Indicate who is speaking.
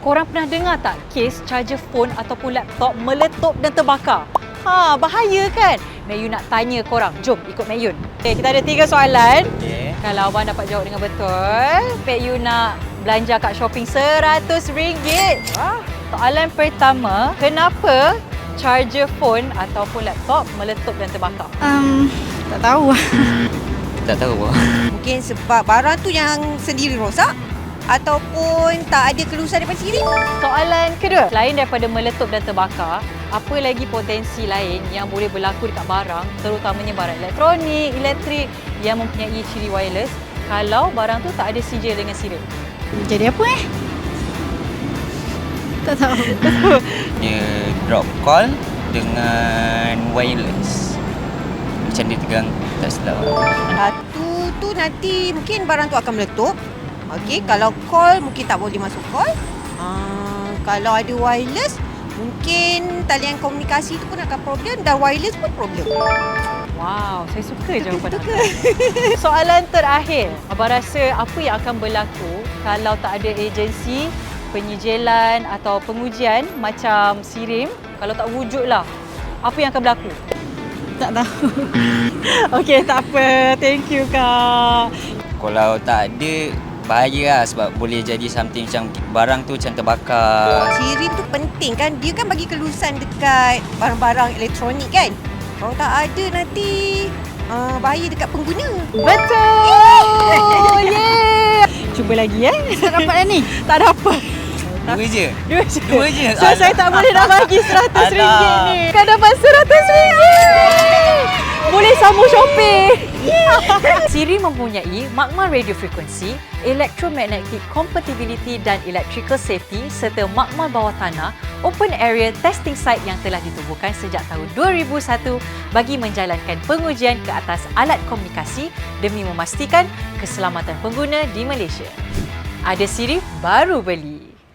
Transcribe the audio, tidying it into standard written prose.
Speaker 1: Korang pernah dengar tak kes charger phone ataupun laptop meletup dan terbakar? Bahaya kan? Mek Yun nak tanya korang. Jom ikut Mek Yun. Okay, kita ada 3 soalan.
Speaker 2: Okey.
Speaker 1: Kalau abang dapat jawab dengan betul, Mek Yun nak belanja kat shopping RM100. Soalan pertama, kenapa charger phone ataupun laptop meletup dan terbakar?
Speaker 3: Tak tahu.
Speaker 2: Tak tahu apa.
Speaker 4: Mungkin sebab barang tu yang sendiri rosak ataupun tak ada kelulusan daripada sendiri.
Speaker 1: Soalan kedua, selain daripada meletup dan terbakar, apa lagi potensi lain yang boleh berlaku dekat barang, terutamanya barang elektronik, elektrik yang mempunyai ciri wireless kalau barang tu tak ada sijil dengan sirip?
Speaker 3: Jadi apa Tak tahu.
Speaker 2: Dia drop call dengan wireless. Macam dia tegang tak silap.
Speaker 4: Satu tu nanti mungkin barang tu akan meletup. Okey, kalau call mungkin tak boleh masuk call. Kalau ada wireless, mungkin talian komunikasi tu pun akan problem dan wireless pun problem.
Speaker 1: Wow, saya suka jawapan abang. Soalan terakhir, abang rasa apa yang akan berlaku kalau tak ada agensi penyijilan atau pengujian macam SIRIM? Kalau tak wujudlah, apa yang akan berlaku?
Speaker 3: Tak tahu.
Speaker 1: Okey, tak apa. Thank you, Kak.
Speaker 2: Kalau tak ada, bahaya lah sebab boleh jadi something macam barang tu macam terbakar.
Speaker 4: SIRIM tu penting kan, dia kan bagi kelulusan dekat barang-barang elektronik kan. Kalau tak ada nanti bahaya dekat pengguna.
Speaker 1: Betul! Yeah! Cuba lagi
Speaker 3: Tak dapat dah ni.
Speaker 1: Tak dapat.
Speaker 2: Dua je?
Speaker 1: Dua je. So,
Speaker 2: Alah.
Speaker 1: saya tak boleh nak bagi RM100
Speaker 2: Alah.
Speaker 1: ni. Kan dapat RM100. Boleh sambung shopping. Siri mempunyai magma radio frequency, electromagnetic compatibility dan electrical safety serta magma bawah tanah open area testing site yang telah ditubuhkan sejak tahun 2001 bagi menjalankan pengujian ke atas alat komunikasi demi memastikan keselamatan pengguna di Malaysia. Ada Siri baru beli?